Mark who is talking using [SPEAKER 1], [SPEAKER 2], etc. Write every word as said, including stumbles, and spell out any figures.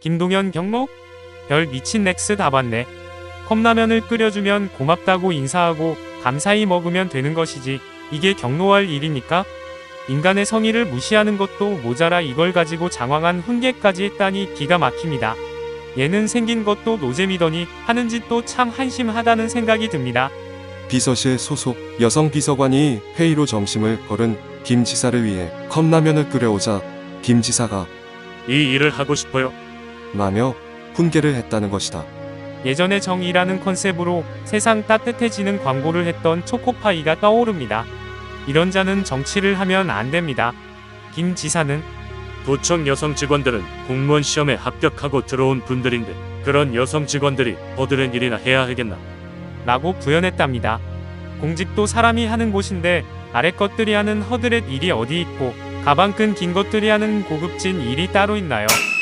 [SPEAKER 1] 김동현 경로? 별 미친 넥스 다 봤네. 컵라면을 끓여주면 고맙다고 인사하고 감사히 먹으면 되는 것이지 이게 경로할 일입니까? 인간의 성의를 무시하는 것도 모자라 이걸 가지고 장황한 훈계까지 했다니 기가 막힙니다. 얘는 생긴 것도 노잼이더니 하는 짓도 참 한심하다는 생각이 듭니다.
[SPEAKER 2] 비서실 소속 여성 비서관이 회의로 점심을 거른 김 지사를 위해 컵라면을 끓여오자 김 지사가
[SPEAKER 3] 이 일을 하고 싶어요.
[SPEAKER 2] 라며 훈계를 했다는 것이다.
[SPEAKER 1] 예전에 정의라는 컨셉으로 세상 따뜻해지는 광고를 했던 초코파이가 떠오릅니다. 이런 자는 정치를 하면 안 됩니다. 김 지사는
[SPEAKER 3] 도청 여성 직원들은 공무원 시험에 합격하고 들어온 분들인데 그런 여성 직원들이 허드렛 일이나 해야 하겠나?
[SPEAKER 1] 라고 부연했답니다. 공직도 사람이 하는 곳인데 아래 것들이 하는 허드렛 일이 어디 있고 가방 끈 긴 것들이 하는 고급진 일이 따로 있나요?